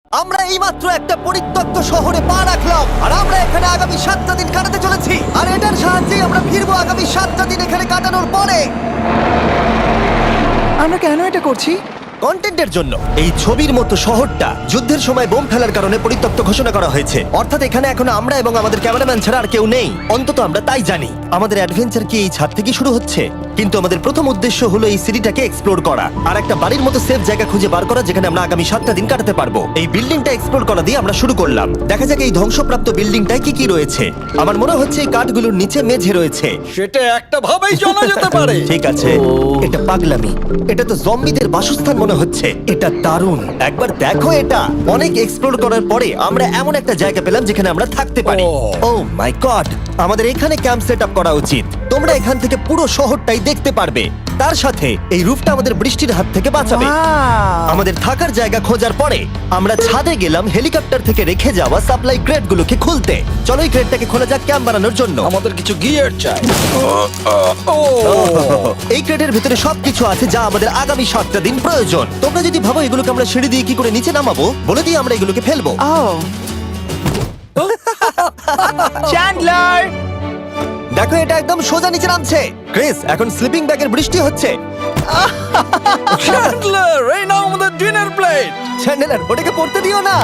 আমরা এইমাত্র একটা পরিত্যক্ত শহরে পা রাখলাম আর আমরা এখানে আগামী 7টা দিন কাটাতে চলেছি আর এটার সাহায্যে আমরা ফিরবো আগামী 7টা দিন এখানে কাটানোর পরে। আমরা কেন এটা করছি? কন্টেন্টের জন্য। এই ছবির মতো শহরটা যুদ্ধের সময় বোম ফেলার কারণে পরিত্যক্ত ঘোষণা করা হয়েছে, অর্থাৎ এখানে এখন আমরা এবং আমাদের ক্যামেরাম্যান ছাড়া আর কেউ নেই, অন্তত আমরা তাই জানি। আমাদের অ্যাডভেঞ্চার কি এই ছাদ থেকে শুরু হচ্ছে? কিন্তু আমাদের প্রথম উদ্দেশ্য হলো এই সিটিটাকে এক্সপ্লোর করা আর একটা বাড়ির মতো সেফ জায়গা খুঁজে বার করা যেখানে আমরা আগামী 7টা দিন কাটাতে পারবো। এই বিল্ডিংটা এক্সপ্লোর করা দিয়ে আমরা শুরু করলাম। দেখা যাক এই ধ্বংসপ্রাপ্ত বিল্ডিংটায় কি কি রয়েছে। আমার মনে হচ্ছে এই কাঠগুলোর নিচে মেঝে রয়েছে। সেটা একটা ভাবেই জানা যেতে পারে। ঠিক আছে, এটা পাগলামি। এটা তো জম্বিদের বাসস্থান মনে হচ্ছে। এটা দারুণ, একবার দেখো এটা। অনেক এক্সপ্লোর করার পরে আমরা এমন একটা জায়গা পেলাম যেখানে আমরা থাকতে পারি। ও মাই গড, আমাদের এখানে ক্যাম্প সেট আপ করা উচিত। তোমরা এখান থেকে পুরো শহরটাই দেখতে পারবে। তার সাথে এই রুফটা আমাদের বৃষ্টির হাত থেকে বাঁচাবে। Wow! আমাদের থাকার জায়গা খোঁজার পরে আমরা ছাদে গেলাম হেলিকপ্টার থেকে রেখে যাওয়া সাপ্লাই ক্রেটগুলোকে খুলতে। চলো এই ক্রেটটাকে খোলা যাক ক্যাম্প বানানোর জন্য। আমাদের কিছু গিয়ার চাই। এই ক্রেটের ভিতরে সবকিছু আছে যা আমাদের আগামী 7টা দিন প্রয়োজন। তোমরা যদি ভাবো এগুলোকে আমরা সিঁড়ি দিয়ে কি করে নিচে নামাবো, বলে দিয়ে আমরা এগুলোকে ফেলবো। Oh! চ্যান্ডলার! দেখো এটা একদম সোজা নিচে নামছে। ক্রিস, এখন স্লিপিং ব্যাগের বৃষ্টি হচ্ছে। চ্যান্ডলার, এই নাও আমাদের ডিনার প্লেট। চ্যান্ডেলার, ওটাকে পড়তে দিও না।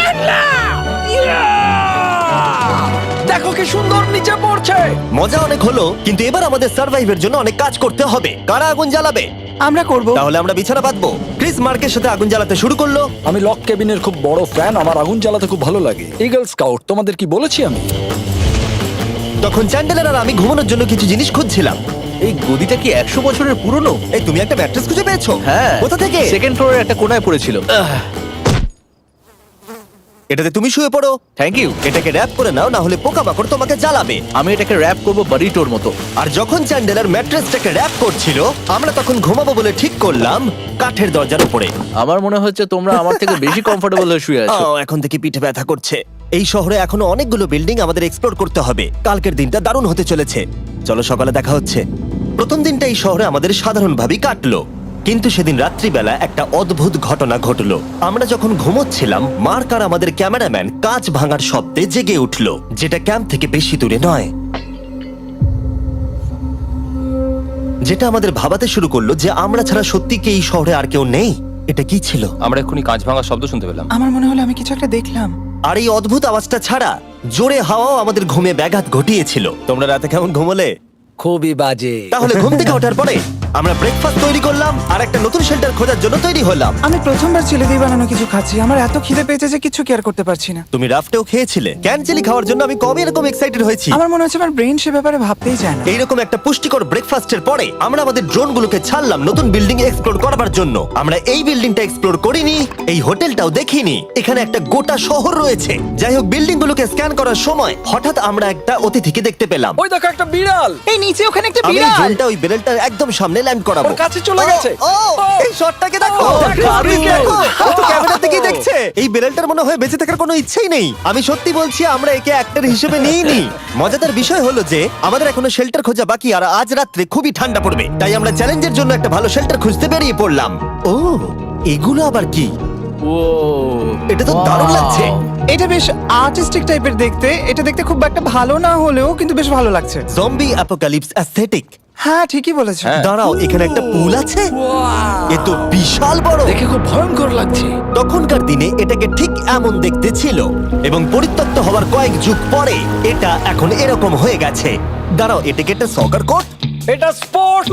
দেখো কি সুন্দর নিচে পড়ছে। মজা অনেক হলো, কিন্তু এবার আমাদের সার্ভাইভের জন্য অনেক কাজ করতে হবে। কারা আগুন জ্বালাবে? আমরা করব। তাহলে আমরা বিছানা বাঁধবো। ক্রিস মার্কের সাথে আগুন জ্বালাতে শুরু করলো। আমি লক কেবিনের খুব বড় ফ্যান, আমার আগুন জ্বালাতে খুব ভালো লাগে। ইগল স্কাউট, তোমাদের কি বলেছি আমি? তখন চ্যান্ডেলার আর আমি ঘুমানোর জন্য কিছু জিনিস খুঁজছিলাম। এই গদিটা কি 100 বছরের পুরনো? এই তুমি একটা ম্যাট্রেস খুঁজে পেয়েছো? হ্যাঁ। কোথা থেকে? সেকেন্ড ফ্লোরের একটা কোণায় পড়েছিল। এটাতে তুমি শুয়ে পড়ো। Thank you. এটাকে র‍্যাপ করে নাও, না হলে পোকামাকড় তোমাকে জ্বালাবে। আমি এটাকে র‍্যাপ করব বারিটোর মতো। আর যখন চ্যান্ডেলার ম্যাট্রেসটাকে র‍্যাপ করছিল, আমরা তখন ঘুমাবো বলে ঠিক করলাম কাঠের দরজার উপরে। আমার মনে হচ্ছে তোমরা আমার থেকে বেশি কমফোর্টেবল হয়ে শুয়ে আছো। এখন থেকে পিঠে ব্যথা করছে। এই শহরে এখনো অনেকগুলো বিল্ডিং আমাদের এক্সপ্লোর করতে হবে। কালকের দিনটা দারুণ হতে চলেছে। চলো সকালে দেখা হচ্ছে। প্রথম দিনটা এই শহরে আমাদের সাধারণভাবেই কাটলো, কিন্তু সেদিন রাত্রিবেলা একটা অদ্ভুত ঘটনা ঘটলো। আমরা যখন ঘুমোচ্ছিলাম, মার্ক আর আমাদের ক্যামেরাম্যান কাঁচ ভাঙার শব্দে জেগে উঠলো, যেটা ক্যাম্প থেকে বেশি দূরে নয়। যেটা আমাদের ভাবাতে শুরু করলো যে আমরা ছাড়া সত্যি কি এই শহরে আর কেউ নেই। এটা কি ছিল? আমরা এক্ষুনি কাঁচ ভাঙার শব্দ শুনতে পেলাম। আমার মনে হলো আমি কিছু একটা দেখলাম। আর এই অদ্ভুত আওয়াজটা ছাড়া জোরে হাওয়াও আমাদের ঘুমে ব্যাঘাত ঘটিয়েছিল। তোমরা রাতে কেমন ঘুমোলে? খুবই বাজে। তাহলে ঘুম থেকে ওঠার পরে আমরা ব্রেকফাস্ট তৈরি করলাম আর একটা নতুন শেল্টার খোঁজার জন্য তৈরি হলাম। আমি প্রথমবার ছেলে দিয়ে বানানো কিছু খাচ্ছি। আমার এত খিদে পেয়েছে যে কিছু কেয়ার করতে পারছি না। তুমি রাফটেও খেয়েছিলে। ক্যানচেলি খাওয়ার জন্য আমি কবে এরকম এক্সাইটেড হয়েছি। আমার মনে হচ্ছে আমার ব্রেন সে ব্যাপারে ভাবতেই চায় না। এইরকম একটা পুষ্টিকর ব্রেকফাস্টের পরে আমরা আমাদের ড্রোনগুলোকে ছাড়লাম নতুন বিল্ডিং এক্সপ্লোর করার জন্য। আমরা এই বিল্ডিংটা এক্সপ্লোর করিনি, এই হোটেলটাও দেখিনি। এখানে একটা গোটা শহর রয়েছে। যাই হোক, বিল্ডিংগুলোকে স্ক্যান করার সময় হঠাৎ আমরা একটা অতিথিকে দেখতে পেলাম। ওই দেখো একটা বিড়াল। এই নিচে ওখানে একটা আমি এই বিড়াল। ড্রোনটা ওই বেলটার একদম সামনে ল্যান্ড করাবো। ওর কাছে চলে গেছে। ও, এই শটটাকে দেখো। দারুণ। দেখো, ও তো ক্যামেরা থেকেই দেখছে। এই বেলটার মনে হয় বেঁচে থাকার কোনো ইচ্ছেই নেই। আমি সত্যি বলছি, আমরা একে অ্যাক্টর হিসেবে নিইনি। মজাদার বিষয় হলো যে আমাদের এখনো শেল্টার খোঁজা বাকি, আর আজ রাত্রে খুবই ঠান্ডা পড়বে। তাই আমরা চ্যালেঞ্জের জন্য একটা ভালো শেল্টার খুঁজতে বেরিয়ে পড়লাম। ও, এগুলো আবার কি? ও, এটা তো দারুণ লাগছে। এটা বেশ আর্টিস্টিক টাইপের দেখতে। এটা দেখতে খুব একটা ভালো না হলেও কিন্তু বেশ ভালো লাগছে। Zombie apocalypse aesthetic. হ্যাঁ, ঠিকই বলেছো। দাঁড়াও, এখানে একটা পুল আছে। এ তো বিশাল বড়। দেখে খুব ভয়ঙ্কর লাগছে। তখনকার দিনে এটাকে ঠিক এমন দেখতে ছিল, এবং পরিত্যক্ত হওয়ার কয়েক যুগ পরে এটা এখন এরকম হয়ে গেছে। দাঁড়াও, এটাকে একটা সকার কোর্ট? এটা স্পোর্টস।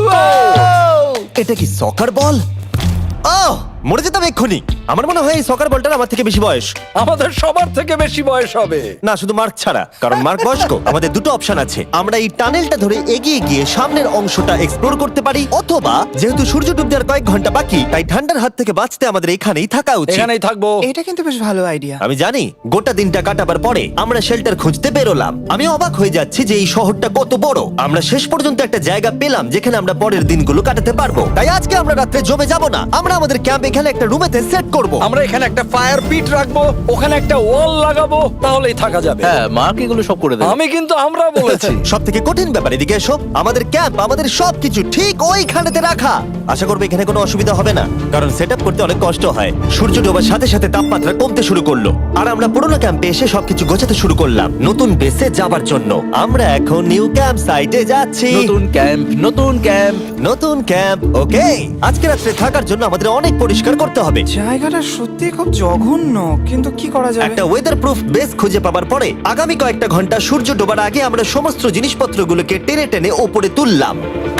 এটা কি সকার বল? আহ, মরে যেতাম এক্ষুনি। আমার মনে হয় এই সকার বলটার আমার থেকে বেশি বয়স। আমাদের সবার থেকে বেশি বয়স হবে। না, শুধু মার্ক ছাড়া, কারণ মার্ক বয়স্ক। আমাদের দুটো অপশন আছে। আমরা এই টানেলটা ধরে এগিয়ে গিয়ে সামনের অংশটা এক্সপ্লোর করতে পারি, অথবা যেহেতু সূর্য ডুবতে আর কয়েক ঘন্টা বাকি, তাই ঠান্ডার হাত থেকে বাঁচতে আমাদের এখানেই থাকা উচিত। এখানেই থাকবো। এটা কিন্তু বেশ ভালো আইডিয়া। আমি জানি। গোটা দিনটা কাটাবার পরে আমরা শেল্টার খুঁজতে বেরোলাম। আমি অবাক হয়ে যাচ্ছি যে এই শহরটা কত বড়। আমরা শেষ পর্যন্ত একটা জায়গা পেলাম যেখানে আমরা পরের দিনগুলো কাটাতে পারবো। তাই আজকে আমরা রাত্রে জমে যাব না। আমরা আমাদের ক্যাম্প এখানে একটা রুমেতে সেট করব। আমরা এখানে একটা ফায়ার পিট রাখবো, ওখানে একটা ওয়াল লাগাবো, তাহলেই থাকা যাবে। হ্যাঁ, মার্ক এগুলো সব করে দেবে। আমি কিন্তু আমরা বলেছি। সব থেকে কঠিন ব্যাপার, এদিকে এসো। আমাদের ক্যাম্প, আমাদের সবকিছু ঠিক ওইখানেতে রাখা। আশা করবো এখানে কোনো অসুবিধা হবে না, কারণ সেট করতে অনেক কষ্ট হয়। সূর্য ডোবার সাথে সাথে তাপমাত্রা কমতে শুরু করলো, আর আমরা পুরোনো ক্যাম্পে এসে সবকিছু গোছাতে শুরু করলাম নতুন বেসে যাবার জন্য। আমরা এখন নিউ ক্যাম্প সাইটে যাচ্ছি। নতুন ক্যাম্প, নতুন ক্যাম্প। নতুন ক্যাম্প, ওকে। আজকে রাত্রে থাকার জন্য আমাদের অনেক পরিষ্কার করতে হবে। জায়গাটা সত্যি খুব জঘন্য, কিন্তু কি করা যাবে? একটা ওয়েদার প্রুফ বেস খুঁজে পাবার পরে আগামী কয়েকটা ঘন্টা সূর্য ডোবার আগে আমরা সমস্ত জিনিসপত্রগুলোকে টেনে টেনে ওপরে তুললাম।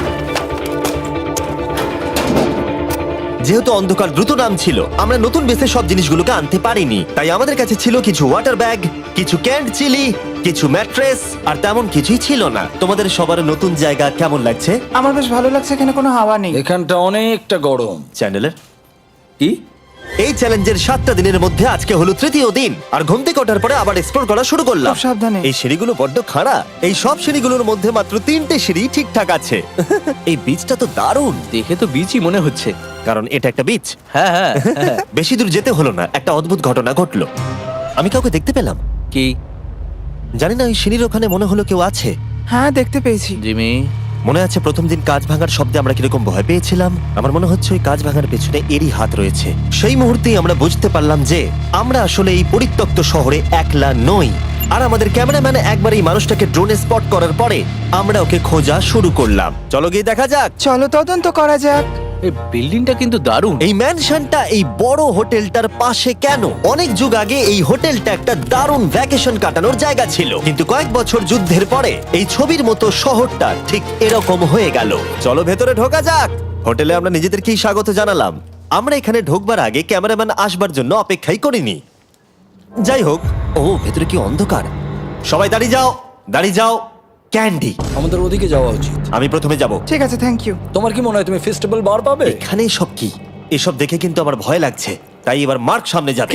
যেহেতু অন্ধকার দ্রুত নামছিল, আমরা নতুন বেসে সব জিনিসগুলোকে আনতে পারিনি, তাই আমাদের কাছে ছিল কিছু ওয়াটার ব্যাগ, কিছু ক্যান্ড চিলি, কিছু ম্যাট্রেস, আর তেমন কিছুই ছিল না। তোমাদের সবার নতুন জায়গা কেমন লাগছে? আমার বেশ ভালো লাগছে, এখানে কোনো হাওয়া নেই। এখানটা অনেকটা গরম। চ্যানেলের কি? এই চ্যালেঞ্জের 7টা দিনের মধ্যে আজকে হলো তৃতীয় দিন, আর ঘুম থেকে ওঠার পরে আবার এক্সপ্লোর করা শুরু করলাম। খুব সাবধানে। এই সিঁড়িগুলো বড্ড খাড়া। এই সব সিঁড়িগুলোর মধ্যে মাত্র 3টে সিঁড়ি ঠিকঠাক আছে। এই বীজটা তো দারুণ, দেখে তো বিচই মনে হচ্ছে। কারণ এটা একটা বীজ। হ্যাঁ হ্যাঁ হ্যাঁ। বেশি দূর যেতে হলো না, একটা অদ্ভুত ঘটনা ঘটলো। আমি কাউকে দেখতে পেলাম, কি? জানি না, ওই সিঁড়ির ওখানে মনে হলো কেউ আছে। হ্যাঁ, দেখতে পেয়েছি। জিমি, মনে আছে প্রথম দিন কাঁচ ভাঙার শব্দে আমরা কিরকম ভয় পেয়েছিলাম? আমার মনে হচ্ছে ওই কাঁচ ভাঙার পেছনে এরই হাত রয়েছে। সেই মুহূর্তেই আমরা বুঝতে পারলাম যে আমরা আসলে এই পরিত্যক্ত শহরে একলা নই। আর আমাদের ক্যামেরাম্যান একবার এই মানুষটাকে ড্রোনে স্পট করার পরে আমরা ওকে খোঁজা শুরু করলাম। চলো গিয়ে দেখা যাক। চলো তদন্ত করা যাক। এই বিল্ডিংটা কিন্তু দারুণ। এই ম্যানশনটা এই বড় হোটেলটার পাশে কেন? অনেক যুগ আগে এই হোটেলটা একটা দারুণ ভ্যাকেশন কাটানোর জায়গা ছিল, কিন্তু কয়েক বছর যুদ্ধের পরে এই ছবির মতো শহরটা ঠিক এরকম হয়ে গেল। চলো ভেতরে ঢোকা যাক। হোটেলে আমরা নিজেদেরকেই স্বাগত জানালাম। আমরা এখানে ঢোকবার আগে ক্যামেরাম্যান আসবার জন্য অপেক্ষাই করিনি। যাই হোক, ও ভেতরে কি অন্ধকার। সবাই দাঁড়িয়ে যাও, দাঁড়িয়ে যাও। ক্যান্ডি, আমাদের ওদিকে যাওয়া উচিত। আমি প্রথমে যাব। ঠিক আছে, থ্যাংক ইউ। তোমার কি মনে হয় তুমি ফেস্টিভ্যাল বার পাবে? এখানে সব কি? এসব দেখে কিন্তু আমার ভয় লাগছে, তাই এবার মার্ক সামনে যাবে।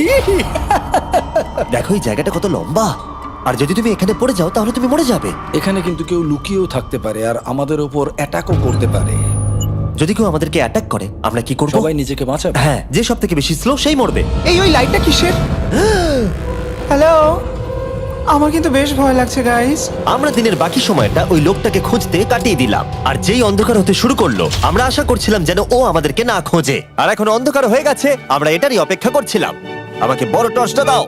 দেখো এই জায়গাটা কত লম্বা, আর যদি তুমি এখানে পড়ে যাও তাহলে তুমি মরে যাবে। এখানে কিন্তু কেউ লুকিয়েও থাকতে পারে আর আমাদের উপর অ্যাটাকও করতে পারে। যদি কেউ আমাদেরকে অ্যাটাক করে আমরা কি করব? সবাই নিজেকে বাঁচাবে। হ্যাঁ, যে সব থেকে বেশি স্লো সেই মরবে। ওই লাইটটা কিসের? হ্যালো, আমার কিন্তু বেশ ভয় লাগছে গাইস। আমরা দিনের বাকি সময়টা ওই লোকটাকে খুঁজতে কাটিয়ে দিলাম, আর যেই অন্ধকার হতে শুরু করলো আমরা আশা করছিলাম যেন ও আমাদেরকে না খোঁজে। আর এখন অন্ধকার হয়ে গেছে, আমরা এটারই অপেক্ষা করছিলাম। আমাকে বড় টর্চটা দাও।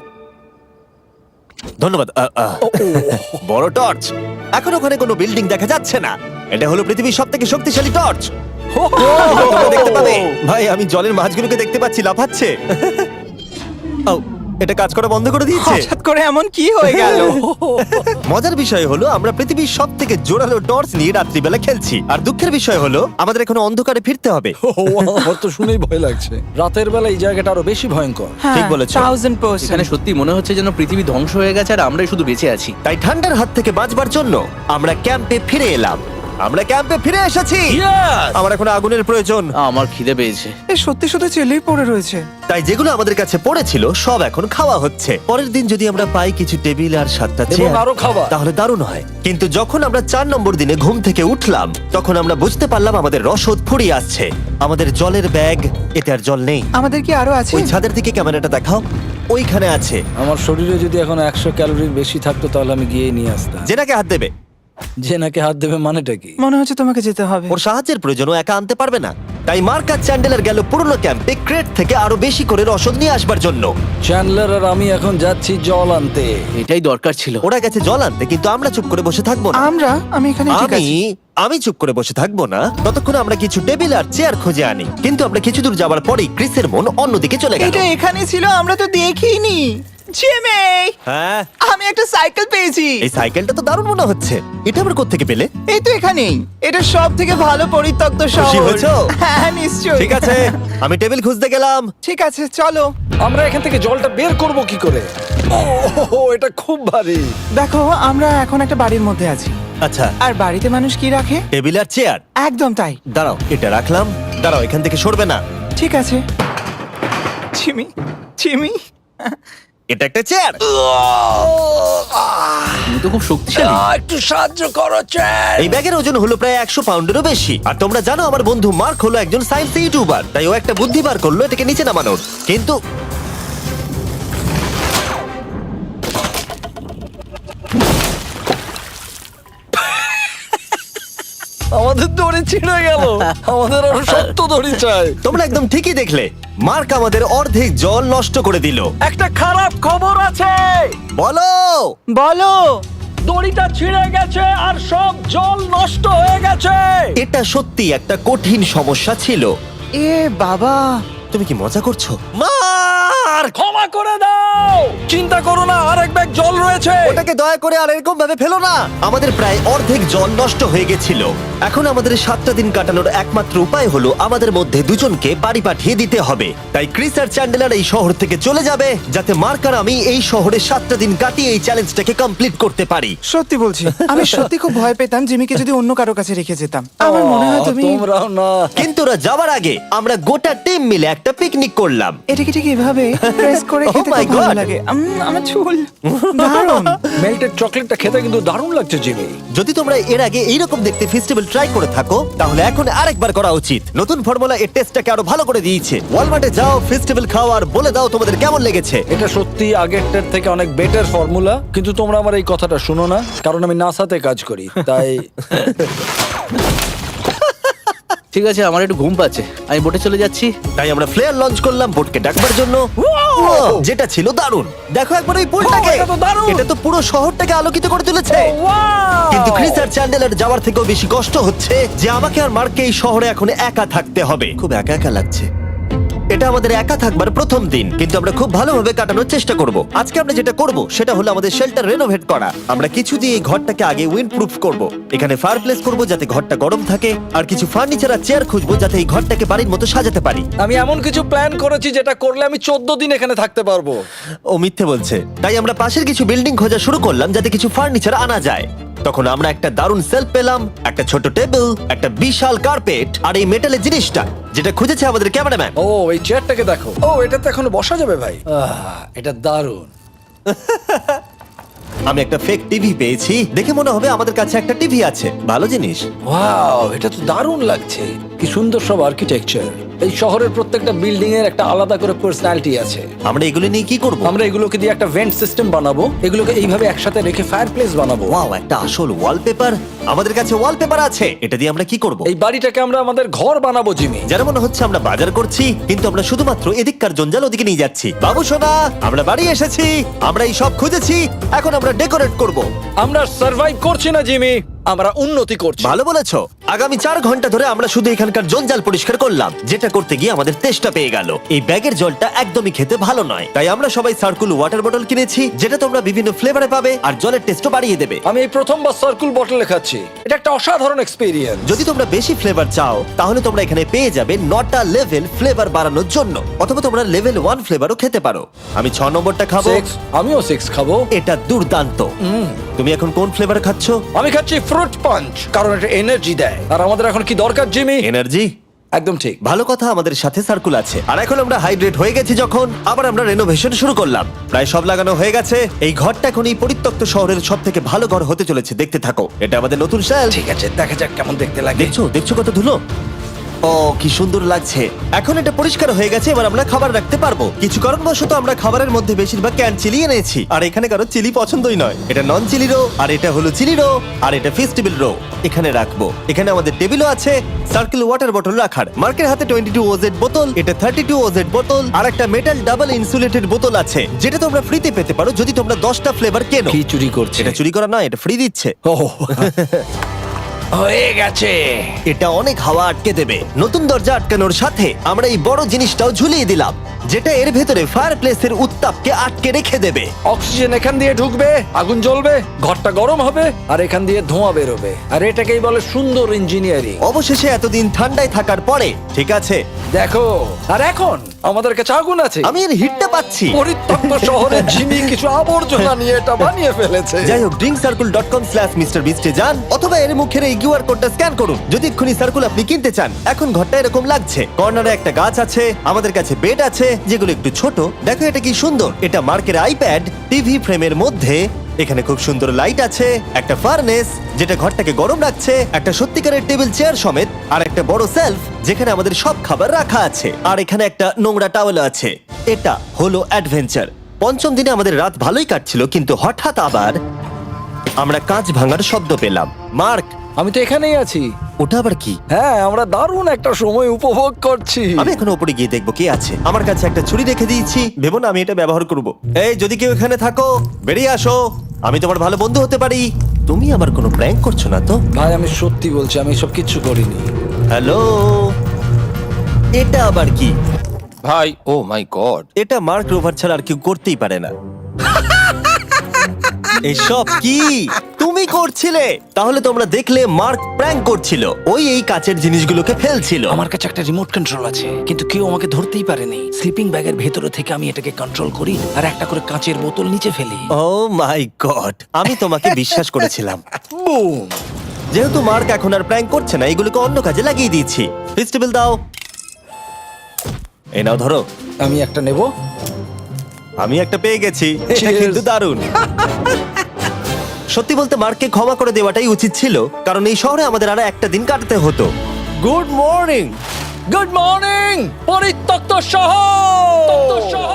ধন্যবাদ। বড় টর্চ। এখন ওখানে কোনো বিল্ডিং দেখা যাচ্ছে না। এটা হলো পৃথিবীর সব থেকে শক্তিশালী টর্চ। তোমরা দেখতে পাবে। ভাই, আমি জলের মাছগুলোকে দেখতে পাচ্ছি লাফাচ্ছে। ও, এটা কাজ করা বন্ধ করে দিয়েছে। হঠাৎ করে এমন কি হয়ে গেল? মজার বিষয় হলো আমরা পৃথিবীর সব থেকে জোরালো টর্চ নিয়ে রাত্রিবেলা খেলছি, আর দুঃখের বিষয় হলো আমাদের এখন অন্ধকারে ফিরতে হবে। আমার তো শুনেই ভয় লাগছে। রাতের বেলা এই জায়গাটা আরো বেশি ভয়ঙ্কর। ঠিক বলেছো। 1000%। এখানে সত্যি মনে হচ্ছে যেন পৃথিবী ধ্বংস হয়ে গেছে আর আমরাই শুধু বেঁচে আছি। তাই ঠান্ডার হাত থেকে বাঁচবার জন্য আমরা ক্যাম্পে ফিরে এলাম। আমরা ক্যাম্পে ফিরে এসেছি। আমার এখন আগুনের প্রয়োজন। আমার খিদে পেয়েছে। সত্যি শুধু চেলেই পড়ে রয়েছে। তাই যেগুলো আমাদের কাছে পড়েছিল সব এখন খাওয়া হচ্ছে। পরের দিন যদি আমরা পাই কিছু টেবিল আর 7টা এবং চেয়ার আরো খাবার। তাহলে দারুণ হয়। কিন্তু যখন আমরা 4 নম্বর দিনে ঘুম থেকে উঠলাম তখন আমরা বুঝতে পারলাম আমাদের রসদ ফুরিয়ে আসছে। আমাদের জলের ব্যাগ, এতে আর জল নেই। আমাদের কি আরো আছে? ওই ছাদের দিকে ক্যামেরাটা দেখাও, ওইখানে আছে। আমার শরীরে যদি এখন 100 ক্যালোরির বেশি থাকতো তাহলে আমি গিয়ে নিয়ে আসতাম। জেনাকে হাত দেবে। যে নাকি হাত দেবে মানেটা কি? মনে হচ্ছে তোমাকে যেতে হবে। ওর সাহায্যের প্রয়োজন, ও একা আনতে পারবে না। তাই মার্ক আর চ্যান্ডেলার গেল পুরনো ক্যাম্পে ক্রেট থেকে আরো বেশি করে রসদ নিয়ে আসবার জন্য। চ্যান্ডলার আর আমি এখন যাচ্ছি জল আনতে। এটাই দরকার ছিল। ওরা গেছে জল আনতে, কিন্তু আমরা চুপ করে বসে থাকবো না। আমি এখানে ঠিক আছি। আমি চুপ করে বসে থাকবো না ততক্ষণ আমরা কিছু টেবিল আর চেয়ার খুঁজে আনি। কিন্তু আমরা কিছু দূর যাবার পরেই ক্রিসের মন অন্যদিকে চলে গেল। এটা এখানে ছিল, আমরা তো দেখিনি। জিমি, হ্যাঁ, আমি একটা সাইকেল পেয়েছি। এই সাইকেলটা তো দারুণ মনে হচ্ছে। এটা আবার কোত্থেকে পেলে? এই তো এখানেই। এটা সব থেকে ভালো পরিত্যক্ত খুশি শহর। হয়েছো? হ্যাঁ, নিশ্চয়ই। ঠিক আছে, আমি টেবিল খুঁজতে গেলাম। ঠিক আছে, চলো। আমরা এখান থেকে জলটা বের করব কি করে? ও, এটা খুব ভারী। দেখো, আমরা এখন একটা বাড়ির মধ্যে আছি। আচ্ছা, আর বাড়িতে মানুষ কি রাখে? টেবিল আর চেয়ার। একদম তাই। দাঁড়াও, এটা রাখলাম। দাঁড়াও, এখান থেকে সরবে না। ঠিক আছে। চিমি, চিমি। এটা একটা চেয়ার। তুমি তো খুব শক্তিশালী। একটু সাহায্য করো চ্যান। এই ব্যাগের ওজন হলো প্রায় 100 পাউন্ডেরও বেশি। আর তোমরা জানো আমার বন্ধু মার্ক হলো একজন সায়েন্স ইউটিউবার, তাই ও একটা বুদ্ধি বার করলো এটাকে নিচে নামানোর। কিন্তু আমার আমাদের দড়ি ছিঁড়ে গেল। আমাদের আরো শক্ত দড়ি চাই। তোমরা একদম ঠিকই দেখলে, মার্ক আমাদের অর্ধেক জল নষ্ট করে দিল। একটা খারাপ খবর আছে, বলো। বলো। দড়িটা ছিঁড়ে গেছে আর সব জল নষ্ট হয়ে গেছে। এটা সত্যি একটা কঠিন সমস্যা ছিল। এ বাবা, তুমি কি মজা করছো? মার্ক, ক্ষমা করে দাও। চিন্তা করো না, আরেক ব্যাগ জল রয়েছে। ওটাকে দয়া করে আর এরকম ভাবে ফেলো না। আমাদের প্রায় অর্ধেক জল নষ্ট হয়ে গেছিল। এখন আমাদের 7টা দিন কাটানোর একমাত্র উপায় হলো আমাদের মধ্যে দুজনকে বাড়ি পাঠিয়ে দিতে হবে। তাই ক্রিস আর চ্যান্ডেলার এই শহর থেকে চলে যাবে, যাতে মার্ক আর আমি এই শহরে 7টা দিন কাটিয়ে এই চ্যালেঞ্জটাকে কমপ্লিট করতে পারি। সত্যি বলছি, আমি সত্যি খুব ভয় পেতাম জিমিকে যদি অন্য কারো কাছে রেখে যেতাম। আমার মনে হয় তুমি তোমরাও না। কিন্তু ওরা যাওয়ার আগে আমরা গোটা টিম মিলে একটা পিকনিক করলাম। এটাকে ঠিক এভাবে প্রেস করে Oh খেতে my খুব ভালো God! লাগে। আমার চুল দারুণ। মেল্টেড চকলেটটা খেতে কিন্তু দারুণ লাগছে জিমি। যদি তোমরা এর আগে এইরকম দেখতে ফেস্টিভ্যাল ট্রাই করে থাকো, তাহলে এখন আরেকবার করা উচিত। নতুন ফর্মুলা এর টেস্টটাকে আরো ভালো করে দিয়েছে। ওয়ালমার্টে যাও, ফেস্টিভ্যাল খাও আর বলে দাও তোমাদের কেমন লেগেছে। এটা সত্যি আগেরটার থেকে অনেক বেটার ফর্মুলা, কিন্তু তোমরা আমার এই কথাটা শুনো না, কারণ আমি নাসাতে কাজ করি, তাই ঠিক আছে, আমার একটু ঘুম পাচ্ছে, আমি বোটে চলে যাচ্ছি। তাই আমরা ফ্লেয়ার লঞ্চ করলাম বোটকে ডাকবার জন্য, যেটা ছিল দারুণ। দেখো একবার ওই পুলটাকে, এটা তো দারুণ! এটা তো পুরো শহরটাকে আলোকিত করে তুলেছে। কিন্তু ক্রিস আর চ্যান্ডেলার যাওয়ার থেকেও বেশি কষ্ট হচ্ছে যে আমাকে আর মার্ককে এই শহরে এখন একা থাকতে হবে। খুব একা একা লাগছে। এটা আমাদের একা থাকবার প্রথম দিন, কিন্তু আমরা খুব ভালোভাবে কাটানোর চেষ্টা করব। আজকে আমরা যেটা করব সেটা হলো আমাদের শেল্টার রেনোভেট করা। আমরা কিছু দিয়ে এই ঘরটাকে আগে উইন্ড প্রুফ করব। এখানে ফায়ারপ্লেস করব যাতে ঘরটা গরম থাকে, আর কিছু ফার্নিচার আর চেয়ার খুঁজবো যাতে এই ঘরটাকে বাড়ির মতো সাজাতে পারি। আমি এমন কিছু প্ল্যান করেছি যেটা করলে আমি 14 দিন এখানে থাকতে পারবো। ও মিথ্যে বলছে। তাই আমরা পাশের কিছু বিল্ডিং খোঁজা শুরু করলাম যাতে কিছু ফার্নিচার আনা যায়। তখন আমরা একটা দারুণ সেলফ পেলাম, একটা ছোট টেবিল, একটা বিশাল কার্পেট আর এই মেটালের জিনিসটা যেটা খুঁজেছে আমাদের ক্যামেরাম্যান। ও এই চেয়ারটাকে দেখো। ও এটাতে এখনো বসা যাবে ভাই। এটা দারুণ। আমি একটা ফেক টিভি পেয়েছি, দেখে মনে হবে আমাদের কাছে একটা টিভি আছে। ভালো জিনিস। ওয়াও, এটা তো দারুণ লাগছে। কি সুন্দর সব আর্কিটেকচার। এই শহরের প্রত্যেকটা বিল্ডিং এর একটা আলাদা করে পার্সোনালিটি আছে। আমরা এগুলো নিয়ে কি করব? আমরা এগুলোকে দিয়ে একটা ভেন্ট সিস্টেম বানাবো, এগুলোকে এইভাবে একসাথে রেখে ফায়ারপ্লেস বানাবো। ওয়াও, একটা আসল ওয়ালপেপার। আমাদের কাছে ওয়ালপেপার আছে। এটা দিয়ে আমরা কি করব? এই বাড়িটাকে আমরা আমাদের ঘর বানাবো জিমি। যেন মনে হচ্ছে আমরা বাজার করছি, কিন্তু আমরা শুধুমাত্র এদিককার জঞ্জাল ওদিকে নিয়ে যাচ্ছি। বাবু সোনা, আমরা বাড়ি এসেছি। আমরা এই সব খুঁজেছি, এখন আমরা ডেকোরেট করব। আমরা সার্ভাইভ করছি না জিমি, আমরা উন্নতি করছি। ভালো বলেছো। আগামী 4 ঘন্টা ধরে আমরা শুধু এখানকার জঞ্জাল পরিষ্কার করলাম, যেটা করতে গিয়ে আমাদের তেষ্টা পেয়ে গেল। এই ব্যাগের জলটা একদমই খেতে ভালো নয়, তাই আমরা সবাই সার্কুল ওয়াটার বটল কিনেছি, যেটা তোমরা বিভিন্ন ফ্লেভারে পাবে আর জলের টেস্টও বাড়িয়ে দেবে। আমি এই প্রথমবার সার্কুল বটলে খাচ্ছি, এটা একটা অসাধারণ এক্সপেরিয়েন্স। যদি তোমরা বেশি ফ্লেভার চাও, তাহলে তোমরা এখানে পেয়ে যাবে 9টা লেভেল ফ্লেভার বাড়ানোর জন্য, অথবা তোমরা লেভেল 1 ফ্লেভারও খেতে পারো। আমি 6 নম্বরটা খাবো। আমিও 6 খাবো। এটা দুর্দান্ত। তুমি এখন কোন ফ্লেভার খাচ্ছ? আমি খাচ্ছি ফ্রুট পাঞ্চ, কারণ এটা এনার্জি দেয়। আর আমাদের এখন কি দরকার জিমি? এনার্জি। একদম ঠিক। ভালো কথা, আমাদের সাথে সার্কুল আছে। আর এখন আমরা হাইড্রেট হয়ে গেছি যখন, আবার আমরা রেনোভেশন শুরু করলাম। প্রায় সব লাগানো হয়ে গেছে। এই ঘরটা এখন এই পরিত্যক্ত শহরের সব থেকে ভালো ঘর হতে চলেছে। দেখতে থাকো, এটা আমাদের নতুন স্টাইল। ঠিক আছে, দেখা যাক কেমন দেখতে লাগে। দেখছো কত ধুলো। ও কি সুন্দর লাগছে। এখন এটা পরিষ্কার হয়ে গেছে, এবার আমরা খাবার রাখতে পারবো। কিছু কারণবশত আমরা খাবারের মধ্যে বেশিরভাগ ক্যান চিলি এনেছি, আর এখানে কারো চিলি পছন্দই নয়। এটা নন চিলি রো, আর এটা হলো চিলি রো, আর এটা ফেস্টিভ্যাল রো। এখানে রাখবো। এখানে আমাদের টেবিলও আছে, সার্কেল ওয়াটার বটল রাখার। মার্কের হাতে 22 ওজেড বোতল, এটা 32 ওজেড বোতল, আর একটা মেটাল ডাবল ইনসুলেটেড বোতল আছে, যেটা তোমরা ফ্রিতে পেতে পারো যদি তোমরা 10টা ফ্লেভার কেনো। কি চুরি করছে? এটা চুরি করা নয়, এটা ফ্রি দিচ্ছে। হয়ে গেছে। এটা অনেক হাওয়া আটকে দেবে। নতুন দরজা আটকানোর সাথে আমরা এই বড় জিনিসটাও ঝুলিয়ে দিলাম, যেটা এর ভেতরে ফায়ারপ্লেসের উত্তাপকে আটকে রেখে দেবে। অক্সিজেন এখান দিয়ে ঢুকবে, আগুন জ্বলবে, ঘরটা গরম হবে, আর এখান দিয়ে ধোঁয়া বেরোবে। আর এটাকেই বলে সুন্দর ইঞ্জিনিয়ারিং। অবশেষে এতদিন ঠান্ডায় থাকার পরে ঠিক আছে। দেখো, আর এখন আমাদের কাছে আগুন আছে। আমি এর হিটটা পাচ্ছি। পরিত্যক্ত শহরে জিমি কিছু আবর্জনা নিয়ে এটা বানিয়ে ফেলেছে। যাই হোক, drinkcircle.com/MrBeast এ যান, অথবা এর মুখের এই কিউআর কোডটা স্ক্যান করুন যদি এক্ষুনি সার্কুল আপনি কিনতে চান। এখন ঘরটা এরকম লাগছে। কর্নারে একটা গাছ আছে, আমাদের কাছে বেড আছে যেগুলো একটু ছোট। দেখো এটা কি সুন্দর। এটা মার্কের আইপ্যাড টিভি ফ্রেমের মধ্যে। এখানে খুব সুন্দর লাইট আছে, একটা ফার্নেস যেটা ঘরটাকে গরম রাখছে, একটা সত্যিকারের টেবিল চেয়ার সমেত, আর একটা বড় সেলফ যেখানে আমাদের সব খাবার রাখা আছে। আর এখানে একটা নোংরা টাওয়েল আছে। এটা হলো অ্যাডভেঞ্চার। পঞ্চম দিনে আমাদের রাত ভালোই কাটছিল, কিন্তু হঠাৎ আবার আমরা কাঁচ ভাঙার শব্দ পেলাম। মার্ক, আমি তো এখানেই আছি। ওটা আবার কি? হ্যাঁ, আমরা দারুণ একটা সময় উপভোগ করছি। আমি এখন উপরে গিয়ে দেখবো কে আছে। আমার কাছে একটা ছুরি রেখে দিয়েছি, ভেবো না আমি এটা ব্যবহার করব। এই যদি কেউ এখানে থাকো বেরিয়ে আসো, আমি তোমার ভালো বন্ধু হতে পারি। তুমি আমার কোনো প্র্যাঙ্ক করছো না তো? ভাই আমি সত্যি বলছি, আমি সব কিচ্ছু করিনি। হ্যালো, এটা আবার কি? ভাই ও মাই গড, এটা মার্ক রোভার ছাড়া আর কেউ করতেই পারে না। এসব কি তুমি করছিলে? তাহলে তোমরা দেখলে মার্ক প্র্যাঙ্ক করছিল। ওই এই কাচের জিনিসগুলোকে ফেলছিল। আমার কাছে একটা রিমোট কন্ট্রোল আছে, কিন্তু কেউ আমাকে ধরতেই পারেনি। স্লিপিং ব্যাগের ভেতরে থেকে আমি এটাকে কন্ট্রোল করি আর একটা করে কাঁচের বোতল নিচে ফেলি। ও মাই গড, আমি তোমাকে বিশ্বাস করেছিলাম। বুম! যেহেতু মার্ক এখন আর প্র্যাঙ্ক করছে না, এগুলোকে অন্য কাজে লাগিয়ে দিয়েছি। ফেস্টিভ্যাল দাও। এই নাও ধরো। আমি একটা নেব। আমি একটা পেয়ে গেছি। এটা Cheers! কিন্তু দারুণ। সত্যি বলতে মার্ককে ক্ষমা করে দেওয়াটাই উচিত ছিল, কারণ এই শহরে আমাদের আর একটা দিন কাটাতে হতো। Good morning. গুড মর্নিং পরিত্যক্ত শহর।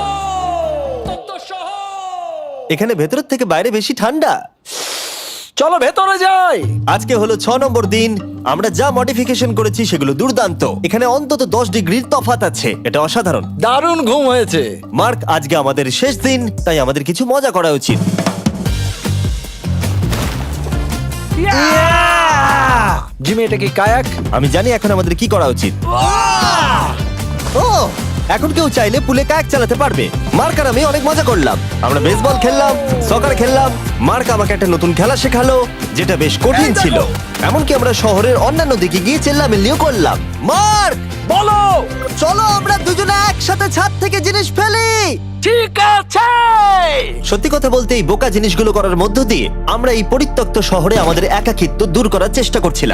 এখানে ভেতরের থেকে বাইরে বেশি ঠান্ডা। চলো ভেতরে যাই। আজকে হলো 6 নম্বর দিন। আমরা যা মডিফিকেশন করেছি সেগুলো দুর্দান্ত। এখানে অন্তত 10 ডিগ্রির তফাৎ আছে, এটা অসাধারণ। দারুণ ঘুম হয়েছে। মার্ক, আজকে আমাদের শেষ দিন, তাই আমাদের কিছু মজা করা উচিত। জিমি, এটা কি কায়াক? আমি জানি এখন আমাদের কি করা উচিত। ও, এখন কেউ চাইলে পুলে কায়াক চালাতে পারবে। মার্ক আর আমি অনেক মজা করলাম। আমরা বেসবল খেললাম, সকার খেললাম। মার্ক আমাকে একটা নতুন খেলা শেখালো, যেটা বেশ কঠিন ছিল। এমনকি আমরা শহরের অন্যান্য দিকে গিয়ে চেল্লামিল্লিও করলাম। মার্ক, বলো। চলো আমরা দুজনে একসাথে ছাদ থেকে জিনিস ফেলি। ঠিক আছে। সত্যি কথা বলতে এই বোকা জিনিসগুলো করার মধ্য দিয়ে আমরা এই পরিত্যক্ত শহরে আমাদের একাকিত্ব দূর করার চেষ্টা করছিলাম।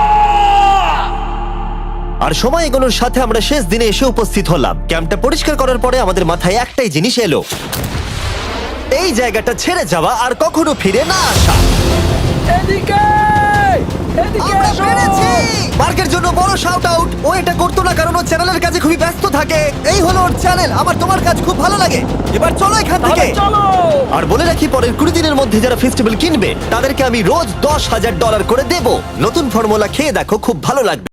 আর সময় এগোনোর সাথে আমরা শেষ দিনে এসে উপস্থিত হলাম। ক্যাম্পটা পরিষ্কার করার পরে আমাদের মাথায় একটাই জিনিস এলো, এই জায়গাটা ছেড়ে যাওয়া আর কখনো ফিরে না আসা। এদিকে এদিকে আমরা এসো। পেরেছি! মার্কের জন্য বড় শাউট আউট। ও এটা করতো না কারণ ও চ্যানেলের কাজে খুবই ব্যস্ত থাকে। এই হলো ওর চ্যানেল। আমার তোমার কাজ খুব ভালো লাগে। এবার চলো এখান থেকে। তাহলে চলো। আর বলে রাখি, পরের 20 দিনের মধ্যে যারা ফেস্টিভ্যাল কিনবে তাদেরকে আমি রোজ $10,000 করে দেব। নতুন ফর্মুলা খেয়ে দেখো, খুব ভালো লাগবে।